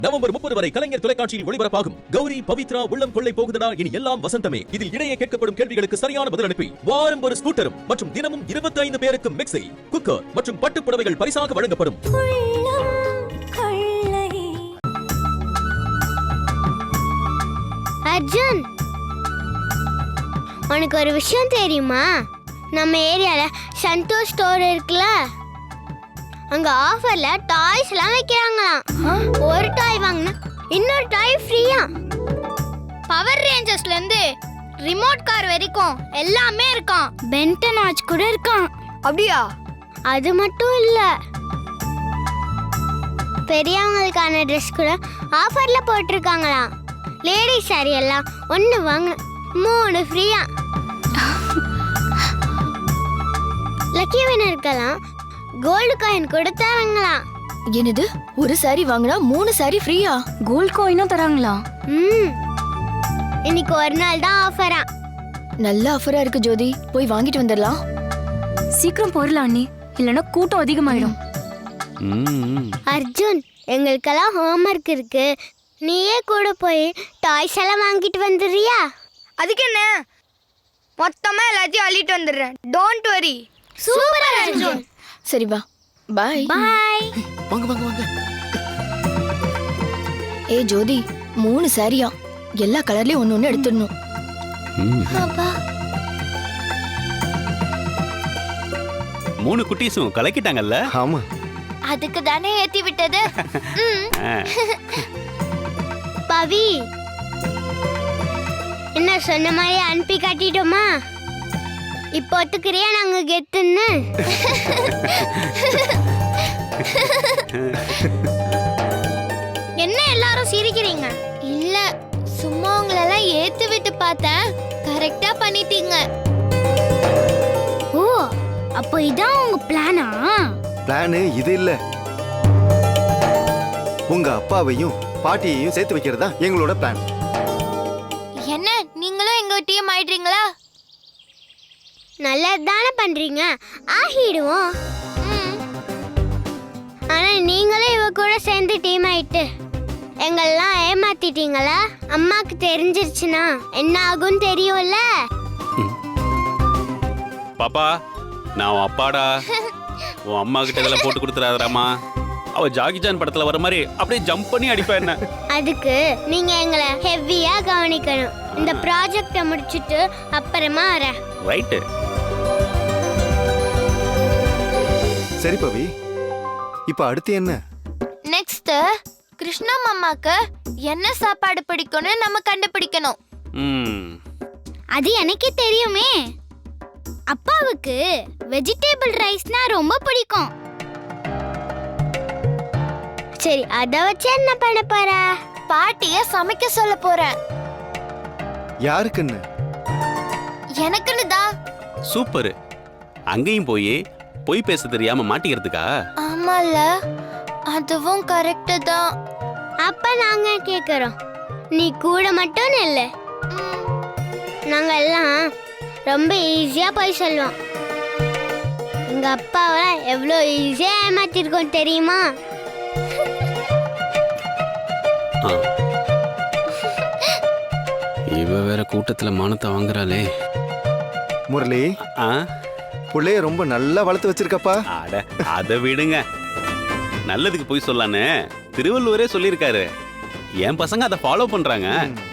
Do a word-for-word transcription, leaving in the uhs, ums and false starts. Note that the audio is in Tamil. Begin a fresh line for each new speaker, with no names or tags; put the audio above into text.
நவம்பர் முப்பது வரை கலைஞர் தொலைக்காட்சியில் ஒளிபரப்பாகும் கௌரி பவித்ரா உள்ளம் கொள்ளை போகுதடா இனி எல்லாம் வசந்தமே. இதில் இடையே கேட்கப்படும் கேள்விகளுக்கு சரியான பதில் அனுப்பி வாரம் ஒரு ஸ்கூட்டரும் மற்றும் தினமும் இருபத்தி ஐந்து பேருக்கு மிக்ஸி, குக்கர் மற்றும் பட்டுப் புடவைகள் பரிசாக வழங்கப்படும்.
அர்ஜுன், உனக்கு ஒரு விஷயம் தெரியுமா? நம்ம ஏரியால சந்தோஷ் ஸ்டோர் இருக்குல்ல, அங்க ஆஃபர்ல டாய்ஸ் எல்லாம் வைக்கிறாங்களாம். ஒரு டாய் வாங்கினா இன்னொரு டாய் ஃப்ரீயா. பவர் ரேஞ்சர்ஸ்ல இருந்து ரிமோட் கார் வரைக்கும் எல்லாமே இருக்காம். பென்டன் வாட்ச் கூட இருக்காம்.
அப்படியா?
அது மட்டும் இல்ல, பெரியவங்களுக்கான ட்ரெஸ் கூட ஆஃபர்ல போட்டிருக்காங்களாம். லேடிஸ் சாரி எல்லாம் ஒன்னு வாங்க மூணு ஃப்ரீயா. லக்கி வினருக்கெல்லாம் கோல்டு காயின் கொடுத்தாங்களாம்.
என்னது, ஒரு சாரி வாங்கினா மூணு சாரி ஃப்ரீயா? கோல்ட் காயினும் தராங்களா?
ம், இன்னைக்கு ஒரு நாள் தான் ஆஃபரா.
நல்ல ஆஃபரா இருக்கு ஜோதி, போய் வாங்கிட்டு வந்துடலாம். சீக்கிரம் போறலாம் அண்ணி, இல்லனா கூட்டம் அதிகமாயிடும்.
அர்ஜுன், எங்களுக்கெல்லாம் ஹோம்வொர்க் இருக்கு, நீயே கூட போய் டாய்ஸ் எல்லாம் வாங்கிட்டு வந்துடுறியா?
அதுக்கு என்ன, மொத்தமா எல்லாத்தையும் அள்ளிட்டு வந்துடுறேன். Don't worry.
சூப்பர் அர்ஜுன்.
சரி வா, பாய்.
பாய்.
வாங்க வாங்க வாங்க.
ஏ ஜோதி, மூணு சாரியா, எல்லா கலர்லயும் ஒன்னு ஒன்னு எடுத்துடணும்.
அப்பா,
மூணு குட்டீஸும் கலக்கிட்டாங்கல்ல?
ஆமா,
அதுக்கு தானே ஏத்தி விட்டது. பவி, என்ன சொன்ன மாதிரி அனுப்பி காட்டிட்டோமா? இப்போ ஒத்துக்கிறியா நாங்க கெத்துன்னு? என்ன எல்லாரும் சிரிக்கிறீங்க? இல்ல, சும்மா உங்களெல்லாம் ஏத்து விட்டு பார்த்தேன், கரெக்டா பண்ணிட்டீங்க. ஓ, அப்போ இதான் உங்க பிளானா?
பிளானு இது இல்ல, உங்க அப்பாவையும் பாட்டியையும் சேர்த்து வைக்கிறதா எங்களோட பிளான்.
என்ன, நீங்களும் எங்க டீம் ஆயிடுறீங்களா? நல்லது தானே பண்றீங்க, ஆகிடுவோம். ஆனா நீங்களும் இவ கூட சேர்ந்து டீம் ஆயிட்டு எங்கெல்லாம் ஏமாத்திட்டீங்களா? அம்மாக்கு தெரிஞ்சிருச்சுன்னா என்ன ஆகும் தெரியும்ல?
பாப்பா, நான் உன் அப்பாடா. உன் அம்மா கிட்ட இதெல்லாம் போட்டு கொடுத்துறாதராமா. அவ ஜாகி ஜான் படத்துல வர மாதிரி அப்படியே ஜம்ப் பண்ணி அடிப்பா என்ன.
அதுக்கு நீங்க எங்களை ஹெவியா கவனிக்கணும். இந்த ப்ராஜெக்ட முடிச்சிட்டு அப்புறமா வரேன்.
ரைட்.
சரி பவி, இப்ப அடுத்து என்ன?
நெக்ஸ்ட் கிருஷ்ணா மாமாக்கு என்ன சாப்பாடு பிடிக்கும்னு நம்ம கண்டுபிடிக்கணும்.
ம்.
அது எனக்கே தெரியுமே. அப்பாவுக்கு வெஜிடபிள் ரைஸ்னா ரொம்ப பிடிக்கும். சரி, அத வச்சு என்ன பண்ண போற? பாட்டிய சமைக்க சொல்ல போறேன்.
யாருக்குன்னு?
எனக்குன்னு தான்.
சூப்பர். அங்கேயும் போய் பொய் பேச தெரியாம மாட்டிக்கிறதுக்கா?
ஆமால, அதுவும் கரெக்ட் தான். அப்ப நாங்க கேக்குறோம், நீ கூட மட்டும் இல்ல, நாங்க எல்லாம் ரொம்ப ஈஸியா போய் சொல்லுவோம். எங்க அப்பாவை எவ்வளோ ஈஸியா ஏமாத்திருக்கோம் தெரியுமா?
இவ வேற கூட்டத்துல மானத்தை வாங்குறாளே.
முரளி,
ஆ,
புள்ளைய ரொம்ப நல்லா வளர்த்து வச்சிருக்கப்பா.
அட அத விடுங்க, நல்லதுக்கு போய் சொல்லான்னு திருவள்ளுவரே சொல்லியிருக்காரு. என் பசங்க அதை ஃபாலோ பண்றாங்க.